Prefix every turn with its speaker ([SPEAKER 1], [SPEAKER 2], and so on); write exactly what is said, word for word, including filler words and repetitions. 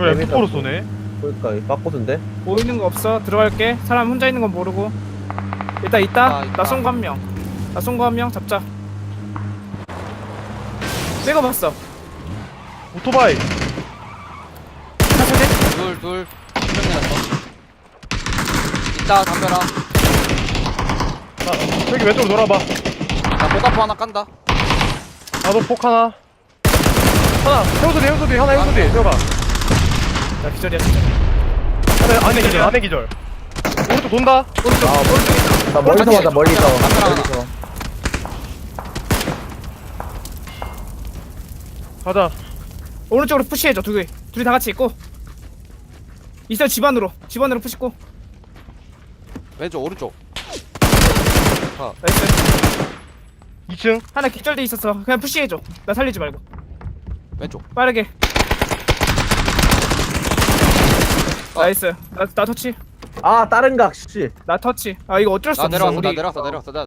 [SPEAKER 1] 이걸 엠포로 쏘네.
[SPEAKER 2] 그러니까 이 빡고든데.
[SPEAKER 3] 보이는 거 없어. 들어갈게. 사람 혼자 있는 건 모르고. 일단 있다.
[SPEAKER 4] 아, 있다.
[SPEAKER 3] 나 쏜 거 한 명. 나 쏜 거 한 명 잡자. 찍어봤어.
[SPEAKER 1] 오토바이.
[SPEAKER 3] 사슬대?
[SPEAKER 4] 둘둘 한명 내놨어. 있다 담벼라.
[SPEAKER 1] 나 저기 왼쪽으로 돌아봐.
[SPEAKER 4] 나 복아포 하나 깐다.
[SPEAKER 1] 나도 폭 하나. 하나. 해우소디 해우소디 하나 해우소디. 들어가.
[SPEAKER 3] 나 기절이야 진짜.
[SPEAKER 1] 안에 안에 기절 안에 기절. 오른쪽 돈다.
[SPEAKER 3] 오른쪽
[SPEAKER 2] 아,
[SPEAKER 3] 오른쪽 있다.
[SPEAKER 2] 나 멀리서 맞아 멀리서.
[SPEAKER 4] 앞에 하나.
[SPEAKER 2] 멀리서.
[SPEAKER 1] 가자.
[SPEAKER 3] 오른쪽으로 푸시해줘. 둘이 둘이 다 같이 있고. 있어 집 안으로. 집 안으로 푸시고.
[SPEAKER 4] 왼쪽 오른쪽.
[SPEAKER 3] 나이스.
[SPEAKER 1] 이 층.
[SPEAKER 3] 하나 기절돼 있었어. 그냥 푸시해줘. 나 살리지 말고.
[SPEAKER 4] 왼쪽.
[SPEAKER 3] 빠르게.
[SPEAKER 4] 어.
[SPEAKER 3] 나이스. 나, 나 터치.
[SPEAKER 2] 아 다른 각 씨.
[SPEAKER 3] 나 터치. 아 이거 어쩔 수
[SPEAKER 4] 나
[SPEAKER 3] 없어.
[SPEAKER 4] 내려왔어.
[SPEAKER 3] 우리
[SPEAKER 4] 나 내려왔어. 내려왔어. 나